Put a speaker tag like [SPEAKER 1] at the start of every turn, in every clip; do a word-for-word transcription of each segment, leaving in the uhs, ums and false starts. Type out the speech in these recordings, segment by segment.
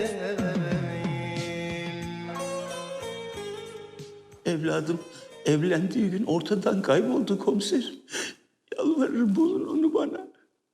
[SPEAKER 1] Evladım evlendiği gün ortadan kayboldu komiserim. Yalvarırım bulun onu bana.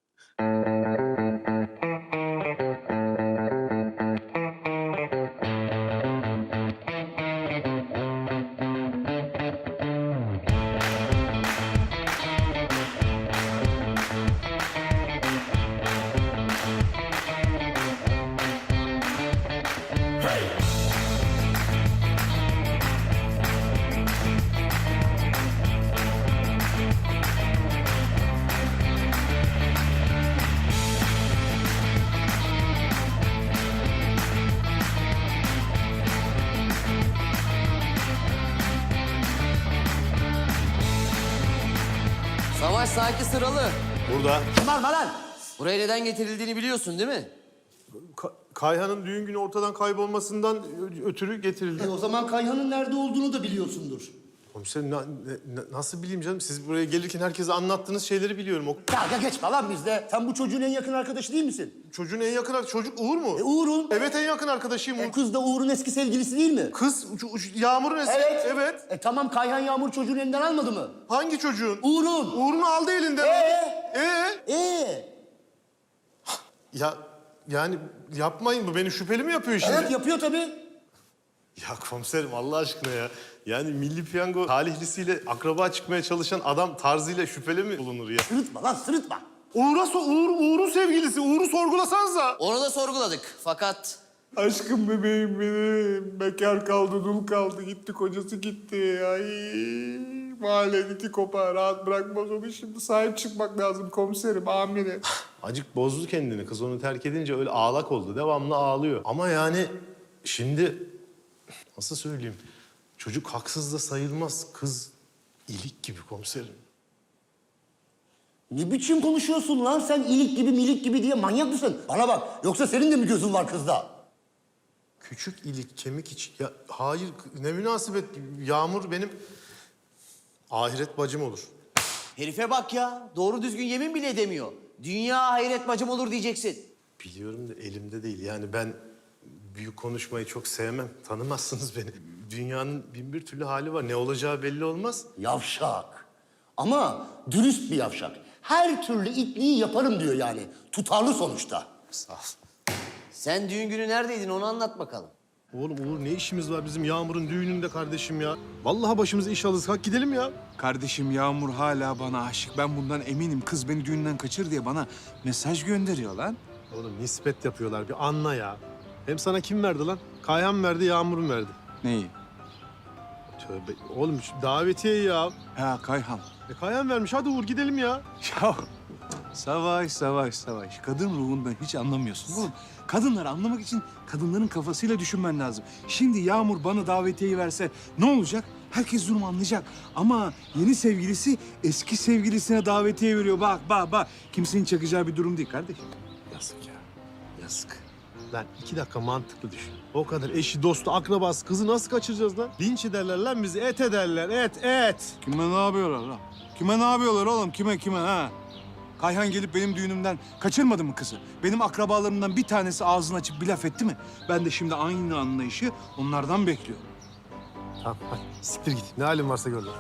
[SPEAKER 2] Savaş sanki sıralı.
[SPEAKER 3] Burada.
[SPEAKER 4] Kim var lan?
[SPEAKER 2] Buraya neden getirildiğini biliyorsun değil mi?
[SPEAKER 3] Ka- Kayhan'ın düğün günü ortadan kaybolmasından ö- ötürü getirildi.
[SPEAKER 4] E o zaman Kayhan'ın nerede olduğunu da biliyorsundur.
[SPEAKER 3] Komiserim na- ne- nasıl bileyim canım? Siz buraya gelirken herkese anlattığınız şeyleri biliyorum. O
[SPEAKER 4] Dalga geçme lan bizde. Sen bu çocuğun en yakın arkadaşı değil misin?
[SPEAKER 3] çocuğun en yakın arkadaşı çocuk Uğur mu?
[SPEAKER 4] E Uğur'un.
[SPEAKER 3] Evet en yakın arkadaşıyım.
[SPEAKER 4] E,
[SPEAKER 3] Uğur.
[SPEAKER 4] kız da Uğur'un eski sevgilisi değil mi?
[SPEAKER 3] Kız şu- şu Yağmur'un eski.
[SPEAKER 4] Evet.
[SPEAKER 3] Evet.
[SPEAKER 4] E tamam Kayhan Yağmur çocuğun elinden almadı mı?
[SPEAKER 3] Hangi çocuğun?
[SPEAKER 4] Uğur'un.
[SPEAKER 3] Uğur'unu aldı elinden.
[SPEAKER 4] Ee?
[SPEAKER 3] Ee?
[SPEAKER 4] Ee?
[SPEAKER 3] Ya yani yapmayın, bu beni şüpheli mi yapıyor şimdi?
[SPEAKER 4] Evet yapıyor tabii.
[SPEAKER 3] Ya komiserim Allah aşkına ya. Yani Milli Piyango talihlisiyle akraba çıkmaya çalışan adam tarzıyla şüpheli mi bulunur ya?
[SPEAKER 4] Sırıtma lan sırıtma.
[SPEAKER 3] Uğur'a so Uğur, Uğur'un sevgilisi. Uğur'u sorgulasanıza.
[SPEAKER 2] Onu da sorguladık. Fakat
[SPEAKER 3] Aşkım bebeğim benim. Bekar kaldı, dul kaldı. Gitti, kocası gitti. Ay mahalledeki kopar. Rahat bırakmaz onu. Şimdi sahip çıkmak lazım komiserim, amirim. Acık bozdu kendini. Kız onu terk edince öyle ağlak oldu. Devamlı ağlıyor. Ama yani şimdi nasıl söyleyeyim? Çocuk haksız da sayılmaz. Kız ilik gibi komiserim.
[SPEAKER 4] Ne biçim konuşuyorsun lan sen ilik gibi milik gibi diye manyak mısın? Bana bak yoksa senin de mi gözün var kızda?
[SPEAKER 3] Küçük ilik, kemik iç. Ya hayır, ne münasebet. Yağmur benim ahiret bacım olur.
[SPEAKER 2] herife bak ya. Doğru düzgün yemin bile edemiyor. Dünya hayret bacım olur diyeceksin.
[SPEAKER 3] Biliyorum da elimde değil. Yani ben büyük konuşmayı çok sevmem. Tanımazsınız beni. Dünyanın bin bir türlü hali var. Ne olacağı belli olmaz.
[SPEAKER 4] Yavşak. Ama dürüst bir yavşak. Her türlü itliği yaparım diyor yani. Tutarlı sonuçta.
[SPEAKER 3] Sağ ol.
[SPEAKER 2] Sen düğün günü neredeydin onu anlat bakalım.
[SPEAKER 3] Oğlum Uğur ne işimiz var bizim Yağmur'un düğününde kardeşim ya? Vallahi başımıza iş alırız. Kalk gidelim ya.
[SPEAKER 5] Kardeşim Yağmur hala bana aşık. Ben bundan eminim. Kız beni düğünden kaçır diye bana mesaj gönderiyor lan.
[SPEAKER 3] Oğlum nispet yapıyorlar. Bir anla ya. Hem sana kim verdi lan? Kayhan verdi, Yağmur'un verdi.
[SPEAKER 5] Neyi?
[SPEAKER 3] Tövbe. Oğlum şu davetiye ya.
[SPEAKER 5] Ha Kayhan.
[SPEAKER 3] E Kayhan vermiş. Hadi Uğur gidelim ya.
[SPEAKER 5] Ya savaş, savaş, savaş. Kadın ruhundan hiç anlamıyorsun oğlum. Kadınları anlamak için kadınların kafasıyla düşünmen lazım. Şimdi Yağmur bana davetiyeyi verse ne olacak? Herkes durumu anlayacak. Ama yeni sevgilisi eski sevgilisine davetiye veriyor. Bak, bak, bak. Kimsenin çakacağı bir durum değil kardeşim.
[SPEAKER 3] Yazık ya. Yazık. Lan iki dakika mantıklı düşün. O kadar eşi, dostu, akrabası, kızı nasıl kaçıracağız lan? Linç ederler lan bizi, et ederler, et, et.
[SPEAKER 5] Kime ne yapıyorlar lan? Kime ne yapıyorlar oğlum? Kime, kime ha? Kayhan gelip benim düğünümden kaçırmadı mı kızı? Benim akrabalarımdan bir tanesi ağzını açıp bir laf etti mi? Ben de şimdi aynı anlayışı onlardan bekliyorum.
[SPEAKER 3] Tamam hadi siktir git. Ne halin varsa gör lan.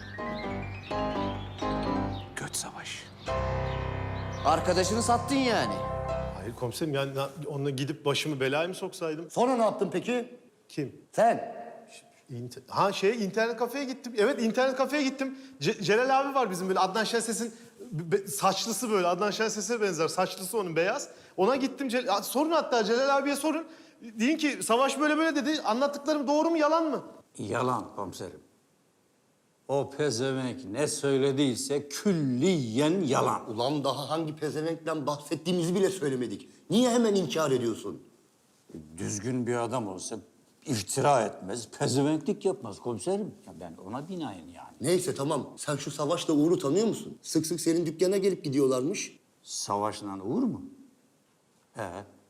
[SPEAKER 5] Göt savaş.
[SPEAKER 2] Arkadaşını sattın yani.
[SPEAKER 3] Hayır komiserim yani na- onunla gidip başımı belaya mı soksaydım?
[SPEAKER 4] Sonra ne yaptın peki?
[SPEAKER 3] Kim?
[SPEAKER 4] Sen.
[SPEAKER 3] İnter- ha şey internet kafeye gittim. Evet internet kafeye gittim. Ce- Celal abi var bizim böyle Adnan Şenses'in be- saçlısı böyle. Adnan Şenses'e benzer. Saçlısı onun beyaz. Ona gittim. Cel- Ha, sorun hatta Celal abiye sorun. Deyin ki Savaş böyle böyle dedi. Anlattıklarım doğru mu yalan mı?
[SPEAKER 6] Yalan komiserim. O pezevenk ne söylediyse külliyen yalan.
[SPEAKER 4] Ulan daha hangi pezevenkten bahsettiğimizi bile söylemedik. Niye hemen inkar ediyorsun?
[SPEAKER 6] Düzgün bir adam olsa iftira etmez, pezevenklik yapmaz komiserim. Ya ben ona binaen yani.
[SPEAKER 4] Neyse tamam. Sen şu Savaş'la Uğur'u tanıyor musun? Sık sık senin dükkana gelip gidiyorlarmış.
[SPEAKER 6] Savaşla Uğur mu? He.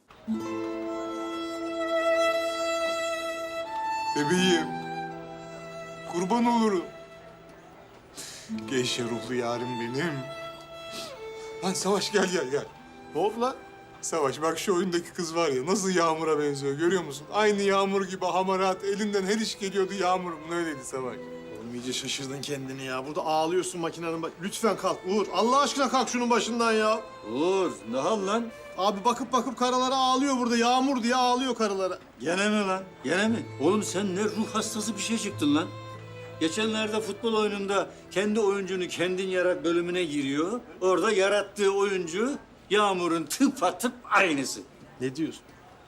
[SPEAKER 5] Bebeğim. Kurban olurum. Gevşe ruhlu yarim benim. Lan Savaş gel gel gel.
[SPEAKER 3] Ne oldu lan? Savaş bak şu oyundaki kız var ya nasıl Yağmur'a benziyor görüyor musun? Aynı Yağmur gibi hamarat elinden her iş geliyordu Yağmur'un öyleydi Savaş.
[SPEAKER 7] Oğlum iyice şaşırdın kendini ya. Burada ağlıyorsun makinenin baş... Lütfen kalk Uğur. Allah aşkına kalk şunun başından ya.
[SPEAKER 6] Uğur, ne hal lan?
[SPEAKER 7] Abi bakıp bakıp karılara ağlıyor burada. Yağmur diye ağlıyor karılara.
[SPEAKER 6] Gene mi lan? Gene mi? Oğlum sen ne ruh hastası bir şey çıktın lan. Geçenlerde futbol oyununda kendi oyuncunu kendin yarat bölümüne giriyor. Orada yarattığı oyuncu Yağmur'un tıpatıp aynısı.
[SPEAKER 7] Ne diyorsun?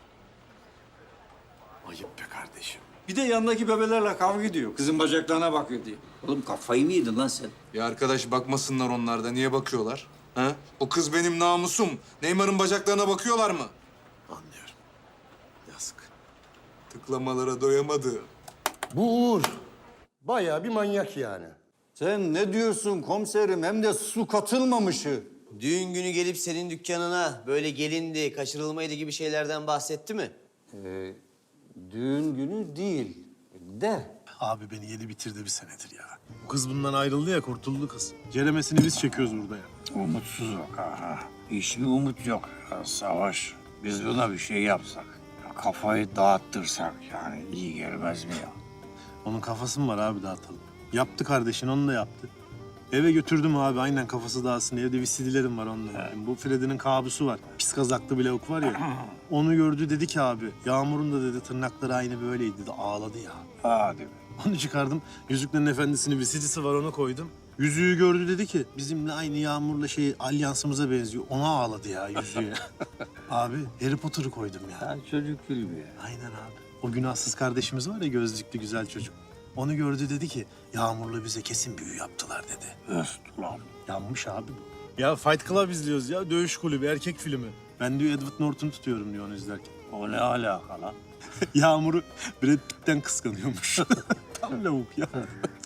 [SPEAKER 7] Ayıp be kardeşim.
[SPEAKER 6] Bir de yanındaki bebelerle kavga ediyor. Kızın bacaklarına bakıyor diye. Oğlum kafayı mı yedin lan sen?
[SPEAKER 3] Ya arkadaş bakmasınlar onlar da niye bakıyorlar? Ha? O kız benim namusum. Neymar'ın bacaklarına bakıyorlar mı?
[SPEAKER 7] Anlıyorum. Yazık.
[SPEAKER 3] Tıklamalara doyamadı.
[SPEAKER 4] Bu Uğur bayağı bir manyak yani.
[SPEAKER 6] Sen ne diyorsun komiserim? Hem de su katılmamışı.
[SPEAKER 2] Düğün günü gelip senin dükkanına böyle gelindi, kaçırılmaydı gibi şeylerden bahsetti mi?
[SPEAKER 6] Ee, düğün günü değil de.
[SPEAKER 7] Abi beni yedi bitirdi bir senedir ya. Bu kız bundan ayrıldı ya, kurtuldu kız. Ceremesini biz çekiyoruz burada ya.
[SPEAKER 6] Umutsuz yok ha. Hiçbir umut yok. Ya, Savaş, biz buna bir şey yapsak, ya, kafayı dağıttırsak yani iyi gelmez mi ya?
[SPEAKER 7] Onun kafası mı var abi, dağıtalım. Yaptı kardeşin, onu da yaptı. Eve götürdüm abi, aynen kafası dağılsın. Evde bir C D'lerim var onunla. Bu Freddy'nin kabusu var. Pis kazaklı bir lavuk var ya. Onu gördü dedi ki abi, Yağmur'un da dedi tırnakları aynı böyleydi dedi. Ağladı ya.
[SPEAKER 6] Hadi be.
[SPEAKER 7] Onu çıkardım. Yüzüklerin Efendisi'nin bir C D'si var, ona koydum. Yüzüğü gördü dedi ki bizimle aynı Yağmur'la şey alyansımıza benziyor. Ona ağladı ya yüzüğü. Abi Harry Potter'ı koydum ya.
[SPEAKER 6] Ya çocuk filmi ya.
[SPEAKER 7] Aynen abi. O günahsız kardeşimiz var ya, gözlüklü güzel çocuk. Onu gördü dedi ki Yağmur'la bize kesin büyü yaptılar dedi.
[SPEAKER 6] Öst ulan.
[SPEAKER 7] Yanmış abi bu. Ya Fight Club izliyoruz ya. Dövüş kulübü, erkek filmi. Ben diyor Edward Norton'u tutuyorum diyor onu izlerken.
[SPEAKER 6] O ne alaka lan?
[SPEAKER 7] Yağmur'u Brad Pitt'ten kıskanıyormuş. Tam lavuk ya.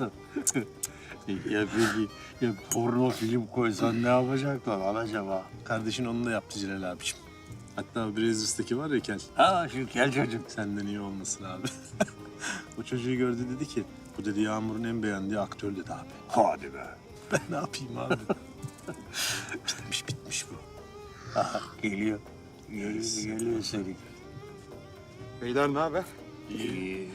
[SPEAKER 6] Ya peki, ya porno film koysan ne yapacaklar lan acaba?
[SPEAKER 7] Kardeşin onu da yaptı Celal abiciğim. Hatta Brazzers'taki var ya Kel.
[SPEAKER 6] Ha şu kel çocuk.
[SPEAKER 7] Senden iyi olmasın abi. O çocuğu gördü dedi ki bu dedi Yağmur'un en beğendiği aktör dedi abi.
[SPEAKER 6] Hadi be.
[SPEAKER 7] Ben ne yapayım abi? bitmiş bitmiş bu.
[SPEAKER 6] Aha, geliyor. Geliyor, geliyor seni.
[SPEAKER 3] Beyler ne haber?
[SPEAKER 6] İyi.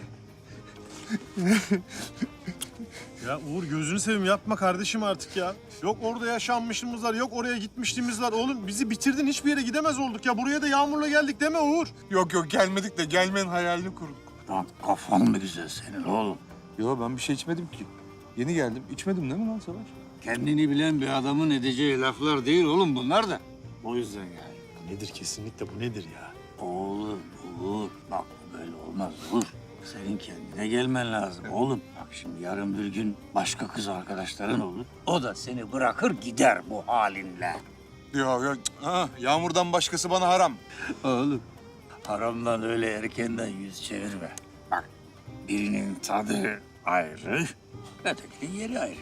[SPEAKER 7] Ya Uğur gözünü seveyim yapma kardeşim artık ya. Yok orada yaşanmışlığımız var, yok oraya gitmişliğimiz var. Oğlum bizi bitirdin, hiçbir yere gidemez olduk ya. Buraya da Yağmur'la geldik deme Uğur.
[SPEAKER 3] Yok yok gelmedik de gelmenin hayalini kurduk.
[SPEAKER 6] Lan kafan mı güzel senin oğlum?
[SPEAKER 3] Yo ben bir şey içmedim ki. Yeni geldim. İçmedim değil mi lan Savaş?
[SPEAKER 6] Kendini bilen bir adamın edeceği laflar değil oğlum bunlar da. O yüzden yani.
[SPEAKER 7] Bu nedir kesinlikle, bu nedir ya?
[SPEAKER 6] Oğlum, Uğur. Bak bu böyle olmaz Uğur. Senin kendine gelmen lazım oğlum. Bak şimdi yarın bir gün başka kız arkadaşların olur. O da seni bırakır gider bu halinle.
[SPEAKER 3] Yok yok. Ha, Yağmur'dan başkası bana haram.
[SPEAKER 6] Oğlum haramdan öyle erkenden yüz çevirme. Bak birinin tadı ayrı, ötekinin yeri ayrı.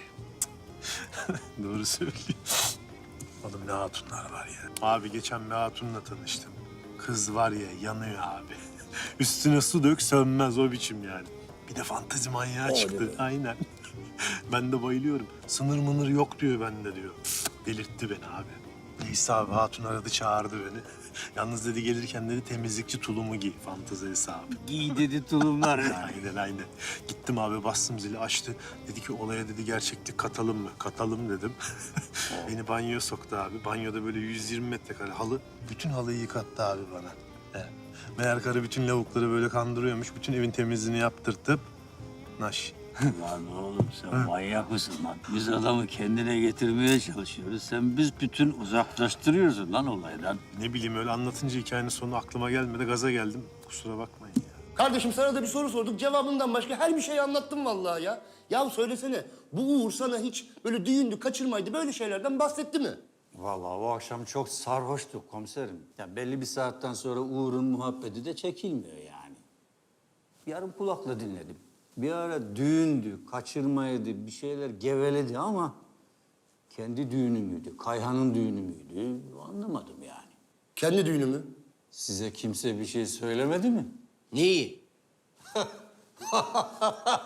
[SPEAKER 7] Doğru söylüyor. Oğlum ne hatunlar var ya. Abi geçen bir hatunla tanıştım. Kız var ya yanıyor abi. Üstüne su dök sönmez o biçim yani. Bir de fantezi manyağı çıktı. Aynen. Ben de bayılıyorum. Sınır mınır yok diyor bende diyor. Delirtti beni abi. Neyse abi hatun aradı çağırdı beni. Yalnız dedi gelirken dedi temizlikçi tulumu giy. Fantezi hesabı.
[SPEAKER 6] Giy dedi tulumlar.
[SPEAKER 7] Aynen aynen. Gittim abi bastım zili açtı. Dedi ki olaya dedi gerçeklik katalım mı? Katalım dedim. Beni banyoya soktu abi. Banyoda böyle yüz yirmi metrekare halı. Bütün halıyı yıkattı abi bana. He. Meğer karı bütün lavukları böyle kandırıyormuş. Bütün evin temizliğini yaptırtıp naş.
[SPEAKER 6] Lan oğlum sen manyak mısın lan? Biz adamı kendine getirmeye çalışıyoruz. Sen biz bütün uzaklaştırıyorsun lan olaydan.
[SPEAKER 7] Ne bileyim öyle anlatınca hikayenin sonu aklıma gelmedi. Gaza geldim. Kusura bakmayın ya.
[SPEAKER 4] Kardeşim sana da bir soru sorduk. Cevabından başka her bir şeyi anlattım vallahi ya. Ya söylesene bu Uğur sana hiç böyle düğündü, kaçırmaydı böyle şeylerden bahsetti mi?
[SPEAKER 6] Vallahi o akşam çok sarhoştuk komiserim. Ya belli bir saatten sonra Uğur'un muhabbeti de çekilmiyor yani. Yarım kulakla dinledim. Bir ara düğündü, kaçırmaydı, bir şeyler geveledi ama kendi düğünü müydü, Kayhan'ın düğünü müydü anlamadım yani.
[SPEAKER 4] Kendi düğünü mü?
[SPEAKER 6] Size kimse bir şey söylemedi mi?
[SPEAKER 2] Neyi?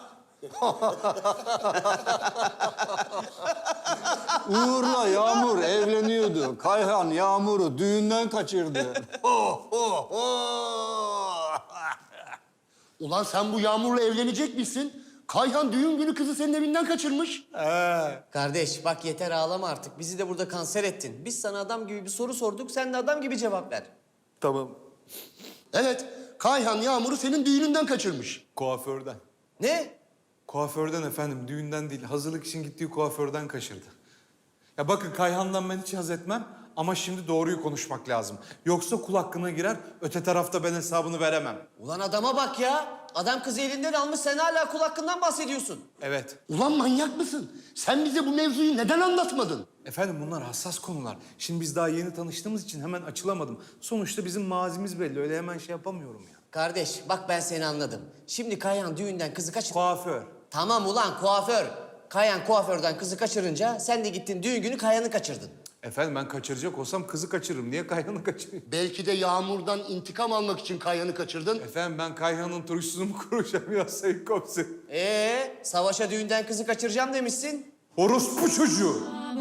[SPEAKER 6] Uğur'la Yağmur evleniyordu. Kayhan Yağmur'u düğünden kaçırdı. Oh, oh, oh.
[SPEAKER 4] Ulan sen bu Yağmur'la evlenecek misin? Kayhan düğün günü kızı senin evinden kaçırmış.
[SPEAKER 2] Kardeş bak yeter ağlama artık. Bizi de burada kanser ettin. Biz sana adam gibi bir soru sorduk. Sen de adam gibi cevap ver.
[SPEAKER 3] Tamam.
[SPEAKER 4] Evet, Kayhan Yağmur'u senin düğününden kaçırmış.
[SPEAKER 8] Kuaförden.
[SPEAKER 2] Ne?
[SPEAKER 8] Kuaförden efendim, düğünden değil. Hazırlık için gittiği kuaförden kaçırdı. Ya bakın Kayhan'dan ben hiç haz etmem ama şimdi doğruyu konuşmak lazım. Yoksa kul hakkına girer, öte tarafta ben hesabını veremem.
[SPEAKER 2] Ulan adama bak ya. Adam kızı elinden almış. Sen hala kul hakkından bahsediyorsun.
[SPEAKER 8] Evet.
[SPEAKER 4] Ulan manyak mısın? Sen bize bu mevzuyu neden anlatmadın?
[SPEAKER 8] Efendim bunlar hassas konular. Şimdi biz daha yeni tanıştığımız için hemen açılamadım. Sonuçta bizim mazimiz belli. Öyle hemen şey yapamıyorum ya.
[SPEAKER 2] Kardeş bak ben seni anladım. Şimdi Kayhan düğünden kızı kaçır...
[SPEAKER 8] Kuaför.
[SPEAKER 2] Tamam ulan kuaför. Kayhan kuaförden kızı kaçırınca sen de gittin düğün günü Kayhan'ı kaçırdın.
[SPEAKER 8] Efendim ben kaçıracak olsam kızı kaçırırım. Niye Kayhan'ı kaçırayım?
[SPEAKER 4] Belki de Yağmur'dan intikam almak için Kayhan'ı kaçırdın.
[SPEAKER 8] Efendim ben Kayhan'ın turşusunu mu kuracağım ya Sayın Komiser?
[SPEAKER 2] Ee, savaşa düğünden kızı kaçıracağım demişsin.
[SPEAKER 8] Orospu çocuğu!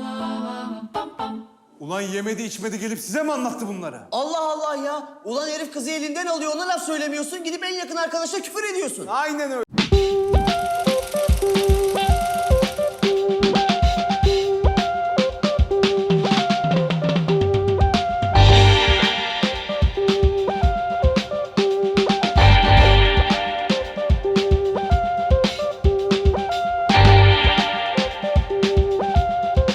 [SPEAKER 8] Ulan yemedi içmedi gelip size mi anlattı bunları?
[SPEAKER 2] Allah Allah ya. Ulan herif kızı elinden alıyor ona laf söylemiyorsun. Gidip en yakın arkadaşına küfür ediyorsun.
[SPEAKER 8] Aynen öyle.